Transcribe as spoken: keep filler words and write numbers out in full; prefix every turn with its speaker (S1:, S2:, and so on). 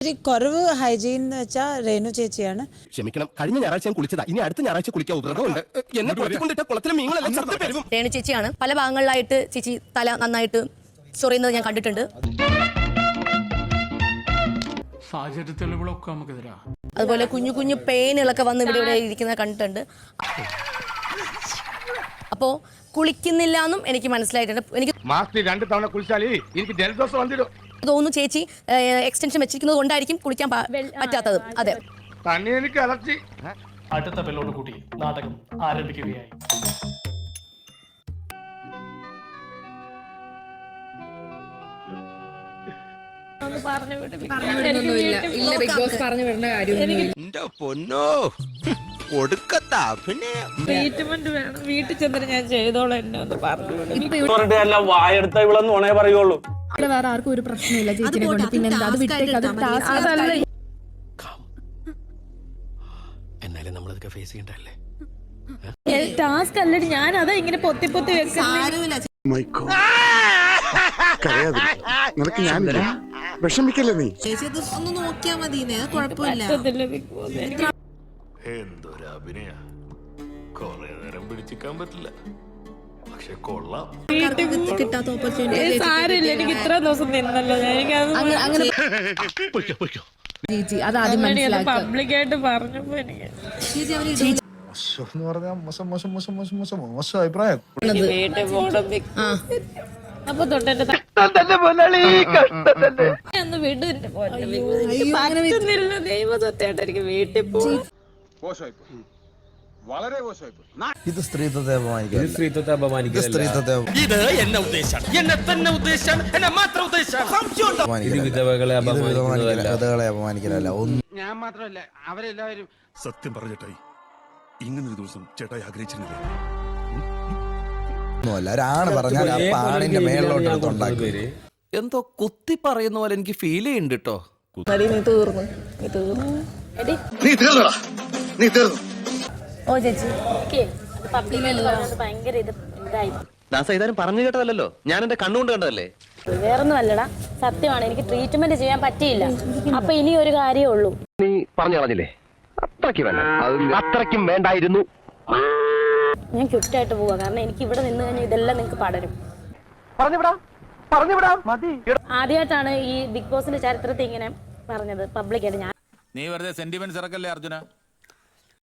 S1: കുറവ് ഹൈജീൻ എന്ന് വെച്ചാൽ രേണു ചേച്ചിയാണ്.
S2: ക്ഷമിക്കണം, കഴിഞ്ഞ ഞായറാഴ്ച ഞാൻ കുളിച്ചതാ, ഇനി അടുത്ത ഞായറാഴ്ച കുളിക്കാൻ വ്രതമുണ്ട്. എന്നെ കൊണ്ടിട്ട കുളത്തിലെ മീനുകളെല്ലാം
S3: രേണു ചേച്ചിയാണ് പല ഭാഗങ്ങളിലായിട്ട് ചേച്ചി തല നന്നായിട്ട് ചൊറിയുന്നത് ഞാൻ കണ്ടിട്ടുണ്ട്.
S4: സാഹചര്യ തെളിവുകളൊക്കെ നമുക്കെതിരാ.
S3: അതുപോലെ കുഞ്ഞു കുഞ്ഞു പെയിനുകളൊക്കെ വന്ന് ഇവിടെ ഇവിടെ ഇരിക്കുന്നത് കണ്ടിട്ടുണ്ട്. അപ്പോൾ കുളിക്കുന്നില്ല എന്നും എനിക്ക് മനസ്സിലായിട്ടുണ്ട്. എനിക്ക് തോന്നുന്നു ചേച്ചി എക്സ്റ്റൻഷൻ വെച്ചിരിക്കുന്നത് കൊണ്ടായിരിക്കും കുളിക്കാൻ പറ്റാത്തത്. അതെ,
S4: അടുത്ത ബെല്ലോട് കൂടി നാടകം ആരംഭിക്കുകയായി.
S1: വീട്ടിൽ ചെന്നിട്ട് ഞാൻ ചെയ്തോളാം എന്നെ ഒന്ന്
S5: പറഞ്ഞു. വായെടുത്ത ഇവളൊന്നും ഉണേ പറയുള്ളൂ.
S6: വേറെ ആർക്കും ഒരു പ്രശ്നമില്ല ചേച്ചിനെ കൊണ്ട്. പിന്നെന്താ അത് വിട്ടേക്ക്. അത്
S2: എന്നാലും നമ്മളതൊക്കെ ഫേസ് ചെയ്യണ്ടല്ലേ.
S6: ടാസ്ക് അല്ലടി, ഞാൻ അതാ ഇങ്ങനെ പൊത്തി പൊത്തി വെക്കുന്നത്.
S7: വിഷമിക്കല്ലേ നീ?
S1: ഒന്ന് നോക്കിയാ മതി, കുഴപ്പമില്ല.
S8: എന്തൊരു അഭിനയ, കൊറേ നേരം പിടിച്ചിക്കാൻ പറ്റില്ല, പക്ഷെ കൊള്ളാം.
S1: കിട്ടാത്ത ഓപ്പർച്യൂണിറ്റി
S6: എനിക്ക് ഇത്ര ദിവസം നിന്നല്ലോ. എനിക്ക് പബ്ലിക്കായിട്ട് പറഞ്ഞപ്പോ എനിക്ക്
S7: മോശം അഭിപ്രായം.
S6: വീട്ടിൽ പോകണം. അപ്പൊ തൊട്ടെന്റെ ഒന്ന് വിടും. ദൈവത്വത്തായിട്ട് എനിക്ക് വീട്ടിൽ പോകും.
S7: വളരെ മോശമായി.
S9: ഇത് സ്ത്രീത്വത്തെ അപമാനിക്കുക.
S5: സ്ത്രീത്വത്തെ അപമാനിക്കുക.
S2: ഇത് എന്നെ ഉദ്ദേശം, എന്നെ തന്നെ ഉദ്ദേശം, എന്നെ മാത്രം ഉദ്ദേശം.
S5: വിധവകളെ
S9: കഥകളെ അപമാനിക്കലല്ല.
S10: ഞാൻ മാത്രമല്ല, അവരെല്ലാവരും.
S8: സത്യം പറഞ്ഞിട്ടായി ഇങ്ങനൊരു ദിവസം ചേട്ടായി ആഗ്രഹിച്ചിരുന്നില്ല.
S9: ഒരാണ് പറഞ്ഞാൽ ആ പാണിന്റെ മേളിലോട്ട് ഉണ്ടാക്കുക.
S2: എന്തോ കുത്തി പറയുന്ന പോലെ എനിക്ക് ഫീൽ ചെയ്യുന്നുണ്ട് കേട്ടോ.
S3: ഓ ചേച്ചി ഭയങ്കര ഇത് ഇതായി.
S2: ദാസ പറഞ്ഞു കേട്ടതല്ലോ, ഞാൻ എന്റെ കണ്ണുകൊണ്ട് കണ്ടതല്ലേ.
S3: വേറൊന്നും അല്ലടാ, സത്യമാണ്. എനിക്ക് ട്രീറ്റ്മെന്റ് ചെയ്യാൻ പറ്റിയില്ല. അപ്പൊ ഇനി ഒരു കാര്യമേ ഉള്ളൂ.
S2: നീ പറഞ്ഞു കളഞ്ഞില്ലേ, അത്രയ്ക്ക് വേണ്ട, അത്രയ്ക്കും വേണ്ടായിരുന്നു.
S3: ഞാൻ ക്വിറ്റായിട്ട് പോവാ, കാരണം എനിക്ക് ഇവിടെ നിന്ന് കഴിഞ്ഞാൽ ഇതെല്ലാം നിങ്ങൾക്ക് പടരും. ആദ്യമായിട്ടാണ് ഈ ബിഗ് ബോസിന്റെ ചരിത്രത്തിൽ ഇങ്ങനെ പറഞ്ഞത് പബ്ലിക്കായിട്ട്. ഞാൻ
S11: നീ വെറുതെ സെന്റിമെന്റ്സ് ഇറക്കല്ലേ അർജുന.